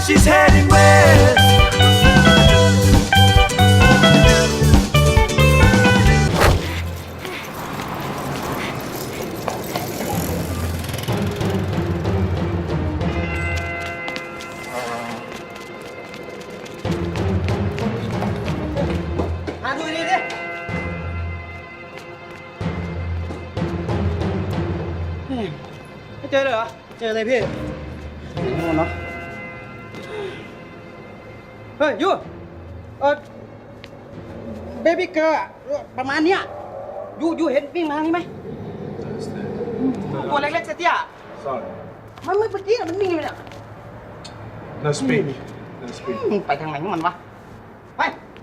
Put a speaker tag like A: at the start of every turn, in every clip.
A: she's heading west.
B: ไม่เจอเลยเหรอ เจอเลยพี่โน่นเนาะเฮ้ยยูเบบี้เกิร์ลประมาณเนี้ยยูเห็นวิ่งมาทางนี้ไหมตัวเล็กๆเตี้ย
A: Sorry.
B: มันเมื่อกี้มันวิ่งอยู่เนี่ย
A: No speak. No speak.
B: ไปทางไหนของมันวะ ไป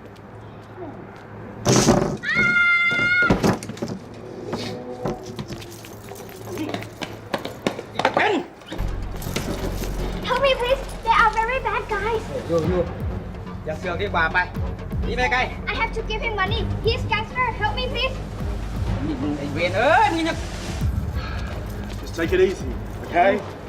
C: Help me, please. They are very bad guys.
B: ยูอย่าเสือกดีกว่าไปหนีไปไกล
C: I have to give him money. He's gangster. Help me, please.
B: ไอ้เวรนี่เนี่ย
A: Just take it easy, okay?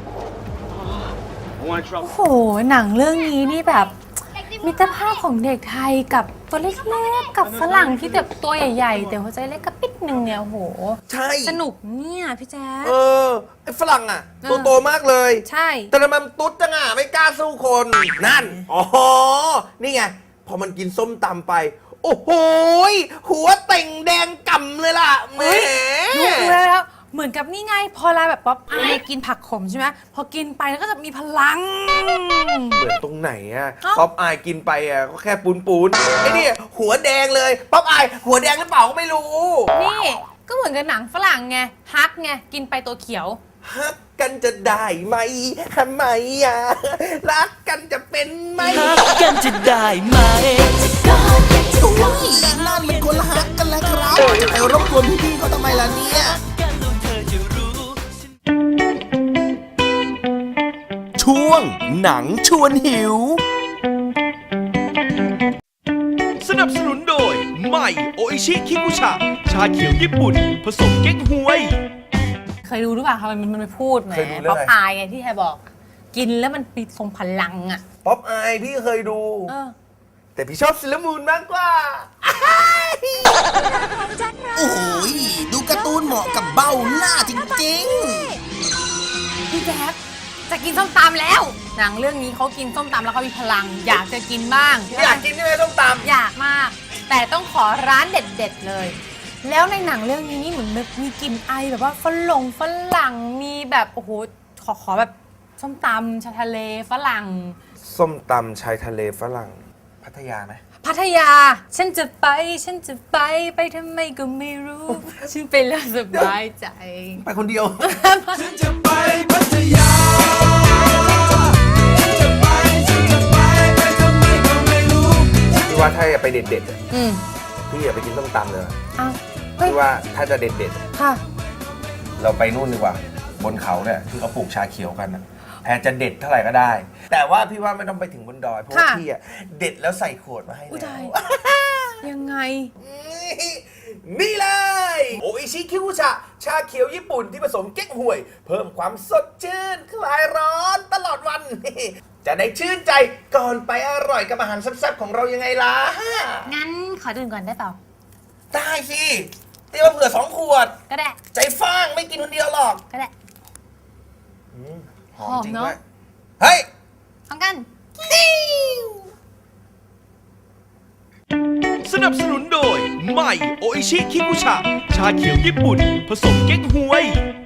A: I want trouble.
D: โอ้โหหนังเรื่องนี้นี่แบบมิตรภาพของเด็กไทยกับตัวเล็กๆกับฝรั่งที่แบบตัวใหญ่ๆแต่หัวใจเล็กกระปิดหนึ่งเนี่ยโอ้โห
E: ใช่
D: สนุกเนี่ยพี่แจ๊ค
E: ไอ้ฝรั่งอ่ะตัวโตมากเลย
D: ใช่
E: แต่ทำไมมันตุ๊ดจังอ่ะไม่กล้าสู้คน นั่น อ๋อ นี่ไง พอมันกินส้มตำไป โอ้โหยหัวเต่งแดงก่ำเลยล่ะแหม
D: รู้แล้วเหมือนกับนี่ไงพอเราแบบป๊อปอายกินผักขมใช่ไหมพอกินไปแล้วก็จะมีพลัง
E: เหมือนตรงไหนอ่ะ
D: เอ้า
E: ป๊อปอายกินไปอ่ะก็แค่ปูนไอ้นี่หัวแดงเลย ป๊อปอายหัวแดงหรือเปล่าก็ไม่รู้
D: นี่ก็เหมือนกับหนังฝรั่งไงฮักไงกินไปตัวเขียว
E: ฮักกันจะได้ไหมทำไมอ่ะ รักกันจะเป็นไหม
A: กันจะได้ไหม
E: นั่นมันคนละฮักกันแล้วครับไอ้รบกวนพี่ๆเขาทำไมล่ะเนี่ย
A: ช่วงหนังชวนหิว สนับสนุนโดยใหม่โออิชิคิคุชะชาเขียวญี่ปุ่น ผสมเก๊กฮวย
D: เคยดูหรือเปล่าคะมันไม่พูดแหม
E: เคยดูเรื่อง
D: ป๊อป
E: อะไร
D: อายไงที่แทบอก กินแล้วมันมีทรงพลังอ่ะ
E: ป๊อปอายพี่เคยดู
D: เออ
E: แต่พี่ชอบซิลมูนมากกว่า
F: โอ้โหยดูการ์ตูนเหมาะกับเบ้าหน้าจริง
D: พี่แจ๊คจะกินส้มตำแล้ว หนังเรื่องนี้เขากินส้มตำแล้วเขามีพลัง อยากจะกินบ้าง
E: อยากกินใช่ไหมส้มตำ
D: อยากมาก แต่ต้องขอร้านเด็ดๆเลย แล้วในหนังเรื่องนี้นี่เหมือนแบบมีกลิ่นไอแบบว่าฝรั่งมีแบบโอ้โหขอแบบส้มตำชายทะเลฝรั่ง
E: ส้มตำชายทะเลฝรั่ง พัทยาไหม
D: พัทยา ฉันจะไปทำไมก็ไม่รู้ ฉันไปแล้วสบายใจ
E: ไปคนเดียว
A: ฉันจะไปพัทยา ฉันจะไปทำไมก็ไม่รู้
E: พี่ว่าถ้าอยากไปเด็ดๆอะ
D: อืม
E: พี่อยากไปกินส้มตำเลย
D: อ้าวเฮ้ย
E: พี่ว่าถ้าจะเด็ด
D: ค่ะ
E: ๆ เราไปนู่นดีกว่า บนเขาเนี่ยที่เขาปลูกชาเขียวกันนะแพรจะเด็ดเท่าไหร่ก็ได้ แต่ว่าพี่ว่าไม่ต้องไปถึงบนดอย เพราะว่า
D: ค่ะ
E: พี่อะเด็ดแล้วใส่ขวดมาให้
D: อุ้ย
E: แล้
D: ตายว ยังไง
E: นี่เลย โออิชิคิคุชะ ชาเขียวญี่ปุ่นที่ผสมเก๊กฮวย เพิ่มความสดชื่น คลายร้อนตลอดวัน จะได้ชื่นใจก่อนไปอร่อยกับอาหารแซ่บๆของเรายังไงล่ะ
D: งั้นขอดื่มก่อนได้เปล่า
E: ได้สิเตรียมมาเผื่อ2 ขวด
D: ก็ได้
E: ใจฟ้างไม่กินคนเดียวหรอก
D: ก็ได้
E: หอมจริง
D: หอมเนอะ
E: ด้วยเฮ้ย
D: พร้อมกัน
A: สนับสนุนโดยใหม่โออิชิคิคุชะชาเขียวญี่ปุ่น ผสมเก๊กฮวย